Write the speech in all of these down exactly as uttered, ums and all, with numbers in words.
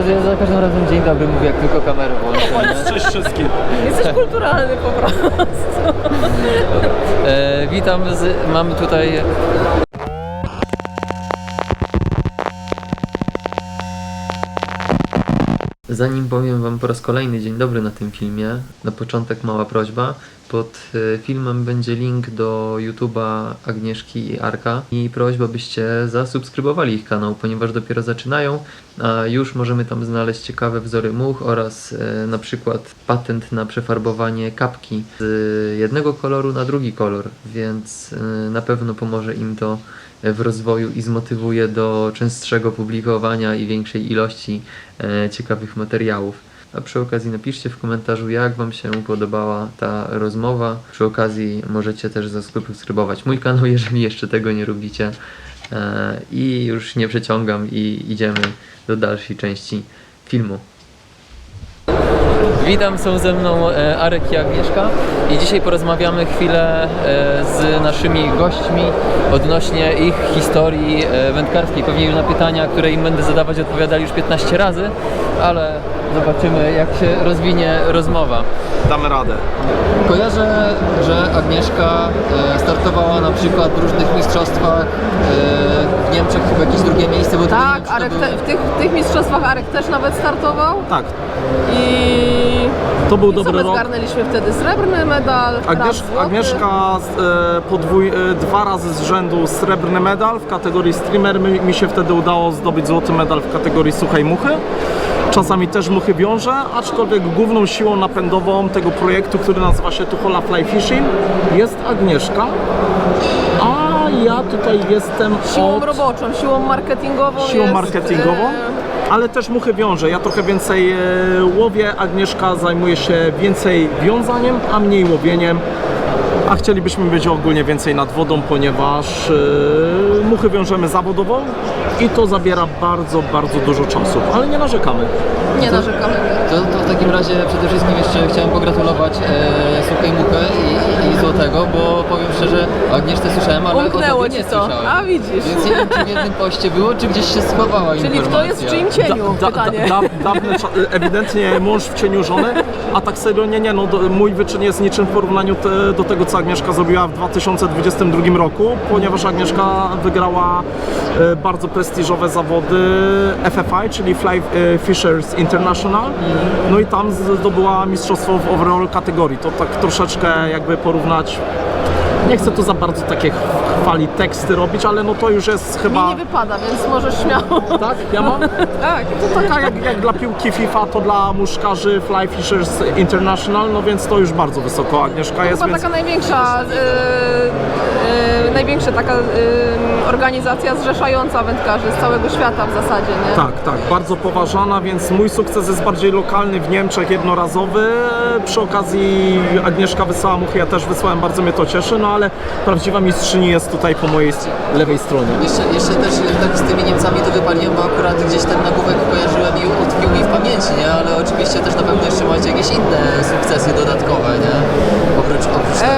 Ja za każdym razem dzień dobry mówię, jak tylko kamerę włączę. Cześć wszystkim. Jesteś kulturalny po prostu. E, witam, z, mamy tutaj... Zanim powiem wam po raz kolejny dzień dobry na tym filmie, na początek mała prośba. Pod filmem będzie link do YouTube'a Agnieszki i Arka i prośba, byście zasubskrybowali ich kanał, ponieważ dopiero zaczynają, a już możemy tam znaleźć ciekawe wzory much oraz e, na przykład patent na przefarbowanie kapki z jednego koloru na drugi kolor, więc e, na pewno pomoże im to w rozwoju i zmotywuje do częstszego publikowania i większej ilości e, ciekawych materiałów. A przy okazji napiszcie w komentarzu, jak wam się podobała ta rozmowa. Przy okazji możecie też zasubskrybować mój kanał, jeżeli jeszcze tego nie robicie. E, I już nie przeciągam i idziemy do dalszej części filmu. Witam, są ze mną e, Arek i Agnieszka i dzisiaj porozmawiamy chwilę e, z naszymi gośćmi odnośnie ich historii e, wędkarskiej. Pewnie na pytania, które im będę zadawać, odpowiadali już piętnaście razy, ale zobaczymy, jak się rozwinie rozmowa. Damy radę. Kojarzę, że Agnieszka e, startowała na przykład w różnych mistrzostwach e, w Niemczech, chyba jakieś drugie miejsce, bo Tak, to Arek były... te, w, tych, w tych mistrzostwach Arek też nawet startował Tak, i... to był I co dobry my rok. zgarnęliśmy wtedy? Srebrny medal, Agniesz, raz złoty. Agnieszka e, podwój, e, dwa razy z rzędu srebrny medal w kategorii streamer. Mi, mi się wtedy udało zdobyć złoty medal w kategorii suchej muchy. Czasami też muchy wiąże, aczkolwiek główną siłą napędową tego projektu, który nazywa się Tuchola Fly Fishing, jest Agnieszka. A ja tutaj jestem Siłą od... roboczą, siłą marketingową siłą jest, marketingową, e, ale też muchy wiąże. Ja trochę więcej e, łowię, Agnieszka zajmuje się więcej wiązaniem, a mniej łowieniem. A chcielibyśmy być ogólnie więcej nad wodą, ponieważ e, muchy wiążemy zawodowo i to zabiera bardzo, bardzo dużo czasu, ale nie narzekamy. Nie narzekamy. To, to w takim razie przede wszystkim jeszcze chciałem pogratulować e, suchej muchy i, i złotego, bo powiem szczerze, o Agnieszce słyszałem, ale Umknęło o tobie nie ci to. słyszałem. A widzisz. Więc nie wiem, czy w jednym poście było, czy gdzieś się schowała Czyli informacja. kto jest w czyim cieniu? Da, da, Pytanie. da, dawne, cza- ewidentnie mąż w cieniu żony, a tak serio nie, nie, no do, mój wyczyn jest niczym w porównaniu te, do tego, co Agnieszka zrobiła w dwa tysiące dwudziestym drugim roku, ponieważ Agnieszka wygrała e, bardzo prestiżowe zawody F F I, czyli Fly e, Fishers International, no i tam zdobyła mistrzostwo w overall kategorii. To tak troszeczkę jakby porównać. Nie chcę tu za bardzo takie chwali teksty robić, ale no to już jest chyba... Mi nie wypada, więc możesz śmiało. Tak? Ja mam? Tak. To taka jak, jak dla piłki FIFA, to dla muszkarzy Fly Fishers International, no więc to już bardzo wysoko Agnieszka jest, Chyba więc... taka największa, yy, yy, największa taka yy, organizacja zrzeszająca wędkarzy z całego świata w zasadzie, nie? Tak, tak, bardzo poważana, więc mój sukces jest bardziej lokalny w Niemczech, jednorazowy. Przy okazji Agnieszka wysłała muchy, ja też wysłałem, bardzo mnie to cieszy, no ale prawdziwa mistrzyni jest tutaj po mojej lewej stronie. Jeszcze, jeszcze też tak z tymi Niemcami to wypaliłem, bo akurat gdzieś ten nagłówek kojarzyłem i utkwił mi w pamięci, nie? Ale oczywiście też na pewno jeszcze macie jakieś inne sukcesy dodatkowe, nie? Oprócz, oprócz tego.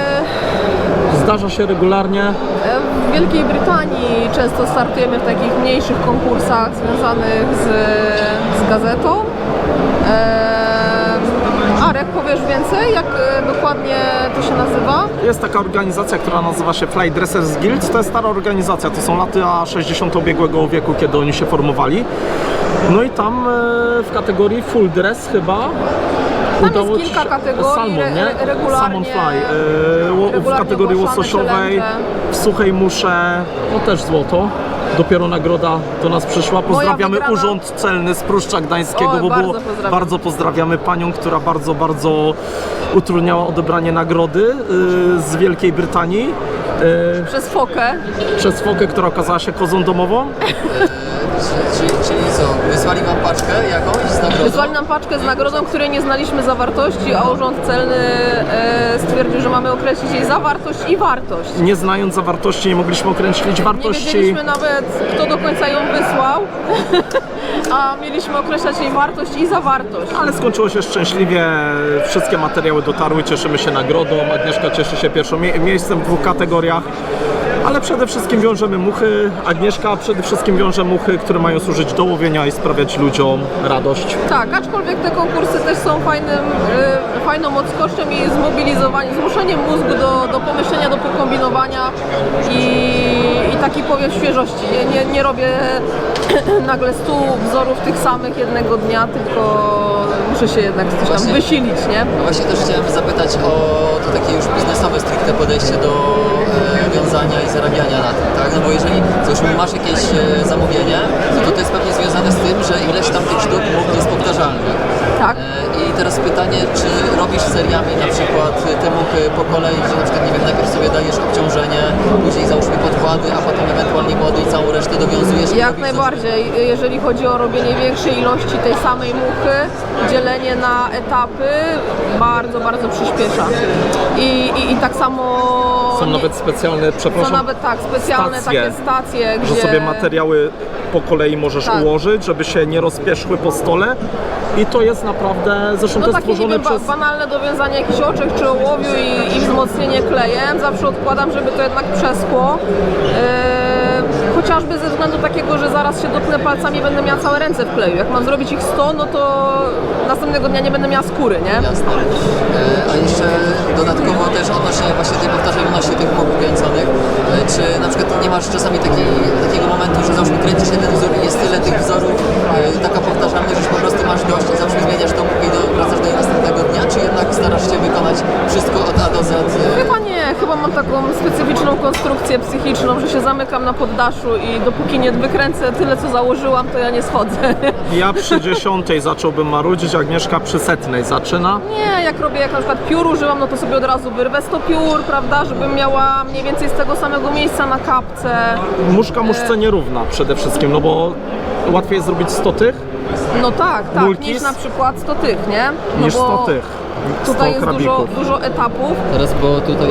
Eee, Zdarza się regularnie. W Wielkiej Brytanii często startujemy w takich mniejszych konkursach związanych z, z gazetą. Eee, Arek, powiesz więcej, jak e, dokładnie to się nazywa? Jest taka organizacja, która nazywa się Fly Dressers Guild. To jest stara organizacja, to są lata sześćdziesiąte ubiegłego wieku, kiedy oni się formowali. No i tam e, w kategorii full dress chyba Tam udało jest ci kilka się- kategorii, salmon, re- nie? re- regularnie- Salmon fly, e, ło- w regularnie kategorii ogłaszane łososiowej, challenge. w suchej musze, no też złoto. Dopiero nagroda do nas przyszła. Pozdrawiamy wygrana- Urząd Celny z Pruszcza Gdańskiego, Oj, bo bardzo było, pozdrawiam. bardzo pozdrawiamy panią, która bardzo, bardzo utrudniała odebranie nagrody y, z Wielkiej Brytanii y, Przez fokę. przez fokę, która okazała się kozą domową. Czyli, czyli co, wysłali wam paczkę jakąś z nagrodą? Wysłali nam paczkę z nagrodą, której nie znaliśmy zawartości, a Urząd Celny e, stwierdził, że mamy określić jej zawartość i wartość. Nie znając zawartości, nie mogliśmy określić Nie wartości. wiedzieliśmy nawet, kto do końca ją wysłał, a mieliśmy określać jej wartość i zawartość. Ale skończyło się szczęśliwie, wszystkie materiały dotarły, cieszymy się nagrodą, Agnieszka cieszy się pierwszym mie- miejscem w dwóch kategoriach, Ale przede wszystkim wiążemy muchy. Agnieszka przede wszystkim wiąże muchy, które mają służyć do łowienia i sprawiać ludziom radość. Tak, aczkolwiek te konkursy też są fajnym, y, fajną odskocznią i zmobilizowaniem, zmuszeniem mózgu do, do pomyślenia, do pokombinowania i, i taki powiew świeżości. Nie, nie, nie robię nagle stu wzorów tych samych jednego dnia, tylko muszę się jednak coś tam Właśnie. wysilić, nie? No właśnie też chciałem zapytać o to takie już biznesowe stricte podejście do e, wiązania i zarabiania na tym, tak? No bo jeżeli załóżmy masz jakieś e, zamówienie, no to to jest pewnie związane z tym, że ileś tam tych sztuk jest powtarzalnych. Tak. E, I teraz pytanie, czy robisz seriami na przykład te muchy po kolei, że na przykład nie wiem, najpierw sobie dajesz obciążenie, później załóżmy podkłady, a potem ewentualnie młody i całą resztę dowiązujesz? i Jak robisz najbardziej. Jeżeli chodzi o robienie większej ilości tej samej muchy, dzielenie na etapy bardzo, bardzo przyspiesza. I, i, i tak samo... Są nie- nawet specjalne, Są przepraszam, nawet tak, specjalne stacje, takie stacje, że gdzie... sobie materiały po kolei możesz Tak. ułożyć, żeby się nie rozpieszły po stole. I to jest naprawdę, zresztą No to jest takie, nie stworzone wiem, ba- przez... banalne dowiązanie jakichś oczek czy ołowiu i, i wzmocnienie klejem. Zawsze odkładam, żeby to jednak przeskło. Yy, chociażby ze względu takiego, że zaraz się dotknę palcami, będę miała całe ręce w kleju. Jak mam zrobić ich sto, no to następnego dnia nie będę miała skóry, nie? Jasne. E, A jeszcze dodatkowo też odnośnie właśnie tej powtarzalności tych much kręconych, e, czy na przykład nie masz czasami taki, takiego momentu, że załóżmy kręcisz jeden wzór i jest tyle tych wzorów, e, taka powtarzalność, że już po prostu masz dość i zawsze zmieniasz tą muchę i do, wracasz do jej następnego dnia, czy jednak starasz się wykonać wszystko od A do Z? e, Chyba nie, chyba mam taką specyficzną konstrukcję psychiczną, że się zamykam na poddaszu i dopóki nie wykręcę tyle, co założyłam, to ja nie schodzę. Ja przy dziesiątej zacząłbym marudzić, Agnieszka przy setnej zaczyna. Nie, jak robię, jak na przykład piór używam, no to sobie od razu wyrwę sto piór, prawda, żebym miała mniej więcej z tego samego miejsca na kapce. Muszka muszce nierówna przede wszystkim, no bo łatwiej jest zrobić sto tych No tak, tak, Multis? niż na przykład sto tych, nie? No niż bo sto tych. Tutaj sto jest dużo, krabików. dużo etapów. Teraz, bo tutaj...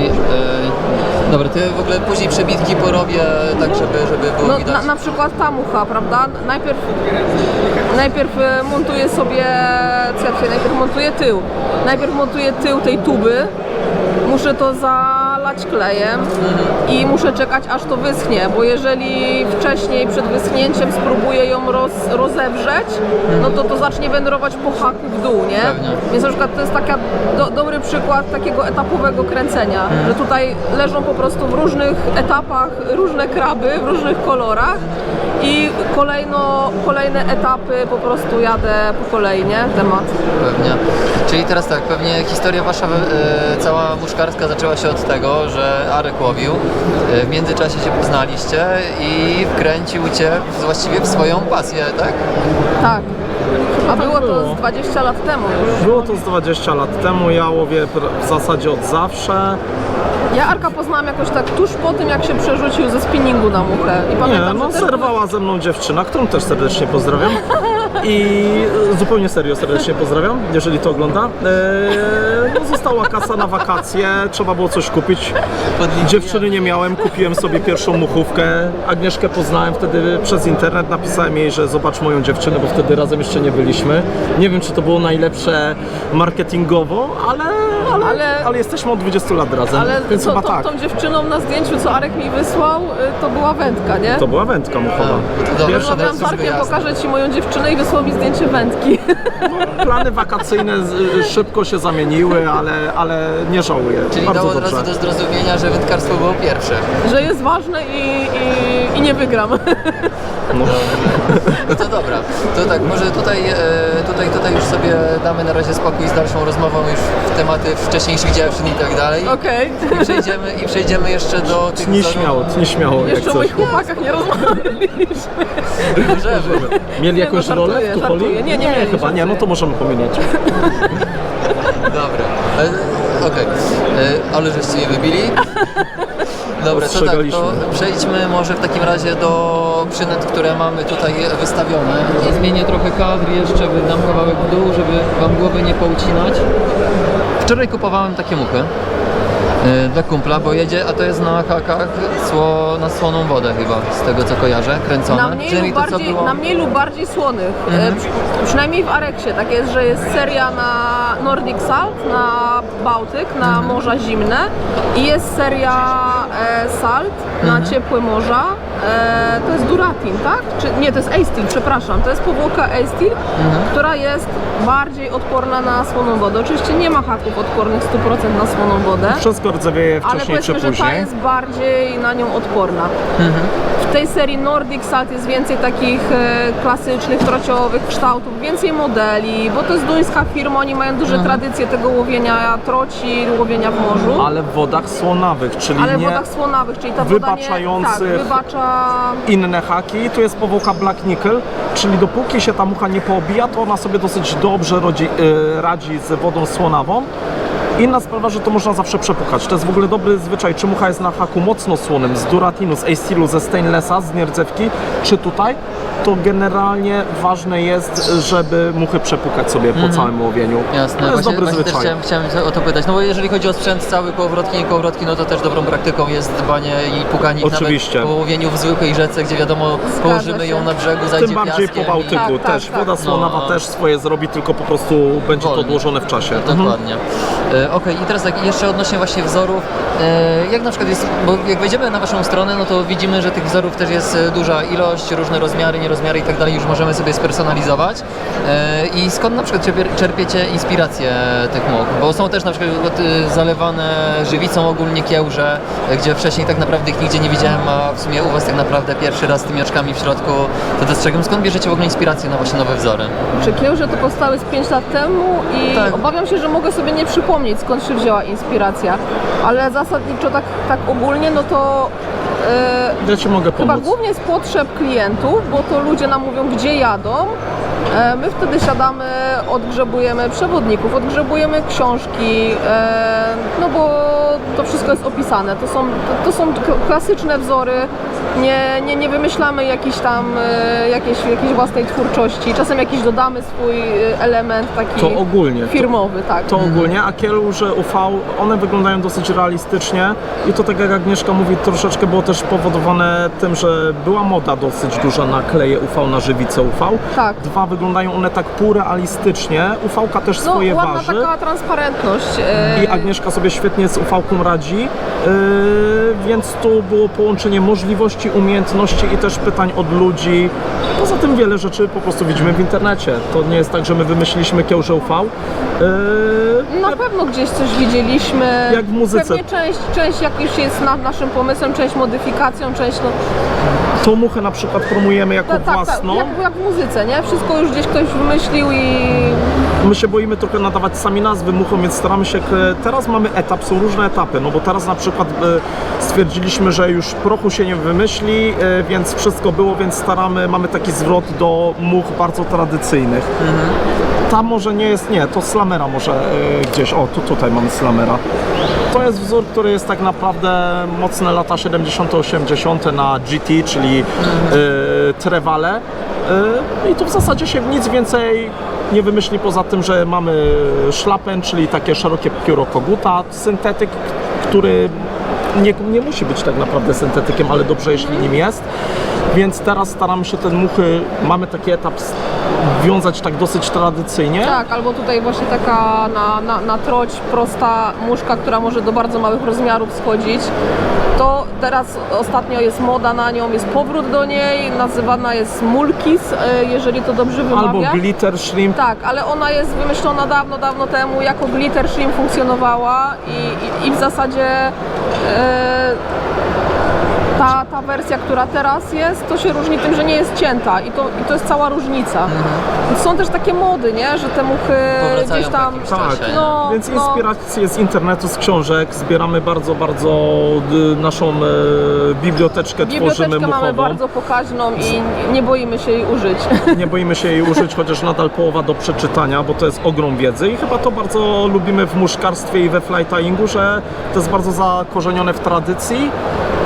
E, dobra, to ja w ogóle później przebitki porobię tak, żeby, żeby było No, widać. na, na przykład ta mucha, prawda? Najpierw, najpierw e, montuję sobie, co ja tutaj, najpierw montuję tył. Najpierw montuję tył tej tuby. Muszę to zalać klejem i muszę czekać, aż to wyschnie, bo jeżeli wcześniej przed wyschnięciem spróbuję ją roz, rozewrzeć, no to to zacznie wędrować po haku w dół, nie? Pewnie. Więc na przykład to jest taka do, dobry przykład takiego etapowego kręcenia, że tutaj leżą po prostu w różnych etapach różne kraby, w różnych kolorach i kolejno, kolejne etapy po prostu jadę po kolei, nie? Temat. Pewnie. Czyli teraz tak, pewnie historia wasza e, cała muszkarska zaczęła się od tego, że Arek łowił, e, w międzyczasie się poznaliście i wkręcił cię w, właściwie w swoją pasję, tak? Tak. A było to było. z dwadzieścia lat temu już. Było to z dwadzieścia lat temu, ja łowię pr- w zasadzie od zawsze. Ja Arka poznałam jakoś tak tuż po tym, jak się przerzucił ze spinningu na muchę. I Nie, pamiętam, no że też zerwała ze mną dziewczyna, którą też serdecznie pozdrawiam. I zupełnie serio serdecznie pozdrawiam, jeżeli to ogląda. Eee, no, została kasa na wakacje, trzeba było coś kupić. Dziewczyny nie miałem, kupiłem sobie pierwszą muchówkę. Agnieszkę poznałem wtedy przez internet, napisałem jej, że zobacz moją dziewczynę, bo wtedy razem jeszcze nie byliśmy. Nie wiem, czy to było najlepsze marketingowo, ale, ale, ale, Ale- jesteśmy od dwudziestu lat razem, Ale więc co, chyba tą, tak. tą dziewczyną na zdjęciu, co Arek mi wysłał, y, to była wędka, nie? To była wędka muchowa. to dobra. Pierwsza Rozmawiałam z wszystko Arkiem, jasne. pokażę Ci moją dziewczynę i wysłał mi zdjęcie wędki. Plany wakacyjne z- szybko się zamieniły, ale, ale nie żałuję. Czyli Bardzo dało od dobrze. razu do zrozumienia, że wędkarstwo było pierwsze. Że jest ważne i, i, i nie wygram. No. No to dobra, to tak, może tutaj, e, tutaj, tutaj już sobie damy na razie spokój z dalszą rozmową już w tematy wcześniejszych dziewczyn i tak dalej. Okej. I przejdziemy, i przejdziemy jeszcze do tych Tnij wzorów. śmiało, tnij śmiało, jak Jeszcze o coś. moich chłopakach nie rozmawialiśmy. Możemy. Mieli Nie, jakąś no, rolę żartuję, w Tucholi? żartuję. Nie, nie mieli, chyba nie, no to możemy pomieniać. Dobra, e, okej, E, ale żeście je wybili. Dobra, to tak, Ostrzegaliśmy. to przejdźmy może w takim razie do przynęt, które mamy tutaj wystawione. I zmienię trochę kadr jeszcze, wydam kawałek w dół, żeby wam głowy nie poucinać. Wczoraj kupowałem takie muchy. Yy, dla kumpla, bo jedzie, a to jest na hakach sło, na słoną wodę chyba, z tego co kojarzę, kręcone. Na mniej, lub Przynajmniej to, co bardziej, było... na mniej lub bardziej słonych. E, przy, przynajmniej w Areksie tak jest, że jest seria na Nordic Salt, na Bałtyk, na morza zimne i jest seria e, Salt na ciepłe morza. E, to jest Duratin, tak? Czy, nie, to jest A-Steel, przepraszam. To jest powłoka A-Steel, która jest bardziej odporna na słoną wodę. Oczywiście nie ma haków odpornych sto procent na słoną wodę. Wszystko rdzewieje Ale wcześniej czy powiedzmy, że ta później. jest bardziej na nią odporna. W tej serii Nordic Salt jest więcej takich e, klasycznych, trociowych kształtów, więcej modeli, bo to jest duńska firma, oni mają duże tradycje tego łowienia troci, łowienia w morzu. Ale w wodach słonawych, czyli Ale w nie wodach słonawych, czyli ta woda nie, tak, wybaczających wybacza... inne haki. Tu jest powłoka Black Nickel, czyli dopóki się ta mucha nie poobija, to ona sobie dosyć dobrze rodzi, yy, radzi z wodą słonawą. Inna sprawa, że to można zawsze przepukać. To jest w ogóle dobry zwyczaj, czy mucha jest na haku mocno słonym, z duratinu, z A-Steelu, ze stainlessa, z nierdzewki, czy tutaj, to generalnie ważne jest, żeby muchy przepukać sobie po całym łowieniu. Jasne, To jest właśnie, dobry właśnie też zwyczaj. chciałem, chciałem o to pytać, no bo jeżeli chodzi o sprzęt cały, kołowrotki, nie kołowrotki, no to też dobrą praktyką jest dbanie i pukanie ich Oczywiście. nawet po łowieniu w zwykłej rzece, gdzie wiadomo, położymy się. ją na brzegu, zajdzie Tym bardziej piaskiem po Bałtyku Tak, tak, też. tak. Woda słonawa No. też swoje zrobi, tylko po prostu będzie to Wolniej. odłożone w czasie. Mhm. Dokładnie. E, Okej, i teraz tak, jeszcze odnośnie właśnie wzorów, e, jak na przykład jest, bo jak wejdziemy na waszą stronę, no to widzimy, że tych wzorów też jest e, duża ilość, różne rozmiary, nierozmiary i tak dalej, już możemy sobie spersonalizować. E, I skąd na przykład czerpie- czerpiecie inspirację tych much? Bo są też na przykład e, zalewane żywicą ogólnie kiełże, e, gdzie wcześniej tak naprawdę ich nigdzie nie widziałem, a w sumie u was tak naprawdę pierwszy raz z tymi oczkami w środku to dostrzegam. Skąd bierzecie w ogóle inspirację na właśnie nowe wzory? Czy kiełże to powstały z pięć lat temu i Tak. obawiam się, że mogę sobie nie przypomnieć, skąd się wzięła inspiracja, ale zasadniczo tak, tak ogólnie, no to e, Ja Ci mogę chyba pomóc. głównie z potrzeb klientów, bo to ludzie nam mówią, gdzie jadą. E, My wtedy siadamy, odgrzebujemy przewodników, odgrzebujemy książki, e, no bo to wszystko jest opisane. To są, to, to są k- klasyczne wzory, nie, nie, nie wymyślamy jakiejś tam, e, jakiejś, jakiejś własnej twórczości. Czasem jakiś dodamy swój e, element taki To ogólnie. To- firmowy, tak. To ogólnie, a kieluże U V, one wyglądają dosyć realistycznie i to tak jak Agnieszka mówi, troszeczkę było też powodowane tym, że była moda dosyć duża na kleje U V, na żywicę U V. Tak. Dwa, wyglądają one tak półrealistycznie, U V-ka też No swoje ładna waży. taka transparentność. e, I Agnieszka sobie świetnie z U V-ką radzi, yy, więc tu było połączenie możliwości, umiejętności i też pytań od ludzi. Poza tym wiele rzeczy po prostu widzimy w internecie. To nie jest tak, że my wymyśliliśmy kiełże U V. Yy, Na pewno gdzieś coś widzieliśmy. Jak w muzyce. Pewnie część, część jak już jest nad naszym pomysłem, część modyfikacją, część no... Tą muchę na przykład promujemy jako Tak, tak, tak, własną. jak, jak w muzyce, nie? Wszystko już gdzieś ktoś wymyślił i... My się boimy trochę nadawać sami nazwy muchom, więc staramy się... Teraz mamy etap, są różne etapy, no bo teraz na przykład e, stwierdziliśmy, że już prochu się nie wymyśli, e, więc wszystko było, więc staramy, mamy taki zwrot do much bardzo tradycyjnych. Ta może nie jest, nie, to slamera może e, gdzieś, o tu, tutaj mamy slamera. To jest wzór, który jest tak naprawdę mocne lata siedemdziesiąte, osiemdziesiąte na G T, czyli e, trewale. E, I tu w zasadzie się nic więcej nie wymyśli poza tym, że mamy szlapen, czyli takie szerokie pióro koguta, syntetyk, który nie, nie musi być tak naprawdę syntetykiem, ale dobrze jeśli nim jest. Więc teraz staramy się te muchy, mamy taki etap s- wiązać tak dosyć tradycyjnie. Tak, albo tutaj właśnie taka na, na, na troć prosta muszka, która może do bardzo małych rozmiarów schodzić. To teraz ostatnio jest moda na nią, jest powrót do niej, nazywana jest mulkis, e, jeżeli to dobrze Albo wymawia. glitter shrimp. Tak, ale ona jest wymyślona dawno, dawno temu, jako glitter shrimp funkcjonowała i, i, i w zasadzie e, ta, ta wersja, która teraz jest, to się różni tym, że nie jest cięta i to, i to jest cała różnica. Więc są też takie mody, nie? Że te muchy Powracają gdzieś tam... po jakimś Tak, czasie, nie? No, Więc no. inspiracje z internetu, z książek, zbieramy bardzo, bardzo y, naszą e, biblioteczkę, tworzymy Biblioteczkę mamy muchową. bardzo pokaźną i nie boimy się jej użyć. Nie boimy się jej użyć, chociaż nadal połowa do przeczytania, bo to jest ogrom wiedzy i chyba to bardzo lubimy w muszkarstwie i we fly tyingu, że to jest bardzo zakorzenione w tradycji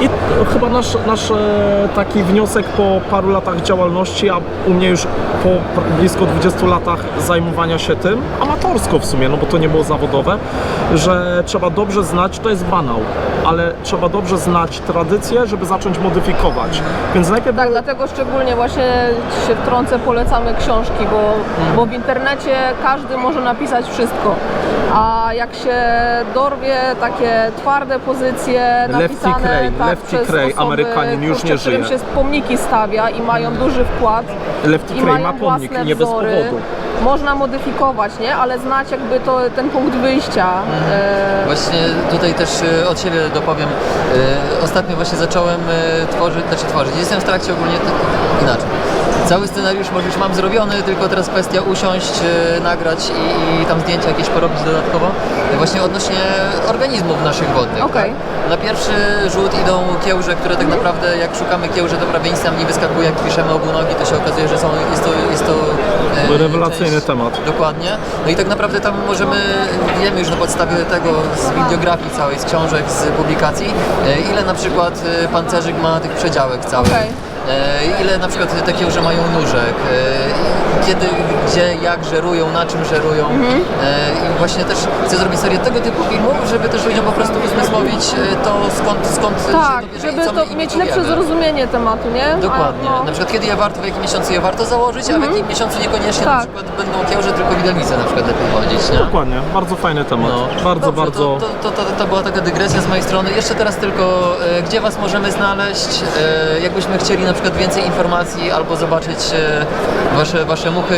I chyba nasz, nasz e, taki wniosek po paru latach działalności, a u mnie już po pr- blisko dwudziestu latach zajmowania się tym, amatorsko w sumie, no bo to nie było zawodowe, że trzeba dobrze znać, to jest banał, ale trzeba dobrze znać tradycję, żeby zacząć modyfikować. Więc najpierw Tak, dlatego szczególnie właśnie się wtrącę, polecamy książki, bo, bo w internecie każdy może napisać wszystko. A jak się dorwie takie twarde pozycje Lefty napisane Cray, tak, Lefty przez Cray, osoby, Amerykanin, już kurczę, nie którym żyje. się pomniki stawia i mają duży wkład Lefty i Cray mają ma pomnik własne i nie bez wzory, powodu. można modyfikować, nie? Ale znać jakby to, ten punkt wyjścia. E, Właśnie tutaj też e, od siebie dopowiem. E, Ostatnio właśnie zacząłem e, tworzyć, znaczy tworzyć. Jestem w trakcie ogólnie tak, inaczej. Cały scenariusz może już mam zrobiony, tylko teraz kwestia usiąść, e, nagrać i, i tam zdjęcia jakieś porobić dodatkowo. E, Właśnie odnośnie organizmów naszych wodnych. Okej. Tak? Na pierwszy rzut idą kiełże, które tak naprawdę jak szukamy kiełże, to prawie nic nam nie wyskakuje. Jak piszemy obunogi, to się okazuje, że są, jest to, jest to e, Rewelacyjny część- temat. Dokładnie. No i tak naprawdę tam możemy, wiemy już na podstawie tego z bibliografii całej, z książek, z publikacji, e, ile na przykład e, pancerzyk ma tych przedziałek całych. Okej. E, Ile na przykład te kiełże mają nóżek, e, kiedy, gdzie, jak żerują, na czym żerują. Mhm. E, I właśnie też chcę zrobić serię tego typu filmów, żeby też ludziom po prostu uzmysłowić e, to, skąd, skąd tak, się to bierze i żeby co my to im mieć tu lepsze wiemy. zrozumienie tematu, nie? Dokładnie. A, no. Na przykład kiedy je warto, w jakim miesiącu je warto założyć, a w jakim miesiącu niekoniecznie na Tak. przykład będą kiełże, tylko widelnice na przykład lepiej chodzić, nie? Dokładnie, bardzo fajny temat. No. Bardzo, Dobrze, bardzo. To, to, to, to, to była taka dygresja z mojej strony. Jeszcze teraz tylko, e, gdzie Was możemy znaleźć? E, jakbyśmy chcieli na przykład więcej informacji albo zobaczyć e, wasze, wasze muchy.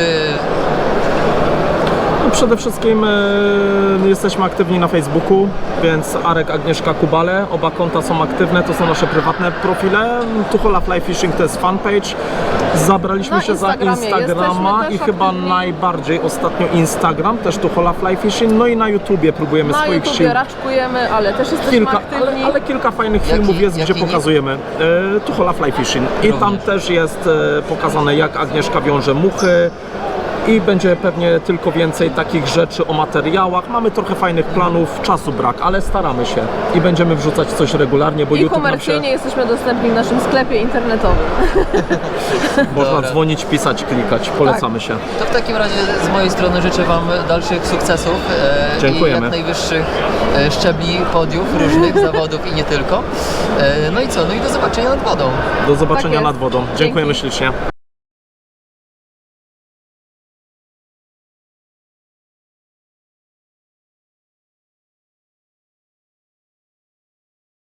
No przede wszystkim e, jesteśmy aktywni na Facebooku, więc Arek, Agnieszka Kubale, oba konta są aktywne, to są nasze prywatne profile. Tuchola Fly Fishing to jest fanpage. Zabraliśmy Na się za Instagramie Instagrama jesteśmy i też chyba aktywni. najbardziej ostatnio Instagram, też Tuchola Fly Fishing, no i na YouTubie próbujemy Na swoich YouTubie sił. raczkujemy, ale też jesteśmy Kilka, aktywni. ale, ale kilka fajnych Jaki- filmów jest, jaki gdzie nick? pokazujemy e, Tuchola Fly Fishing i Również. tam też jest e, pokazane, jak Agnieszka wiąże muchy i będzie pewnie tylko więcej takich rzeczy o materiałach. Mamy trochę fajnych planów, czasu brak, ale staramy się i będziemy wrzucać coś regularnie, bo I YouTube nam się komercyjnie jesteśmy dostępni w naszym sklepie internetowym. można Dobra. dzwonić, pisać, klikać. Polecamy się. To w takim razie z mojej strony życzę Wam dalszych sukcesów e, i Dziękujemy. jak najwyższych e, szczebli podiów różnych zawodów i nie tylko. E, no i co? No i do zobaczenia nad wodą. Do zobaczenia Tak jest. nad wodą. Dziękujemy Dzięki. ślicznie.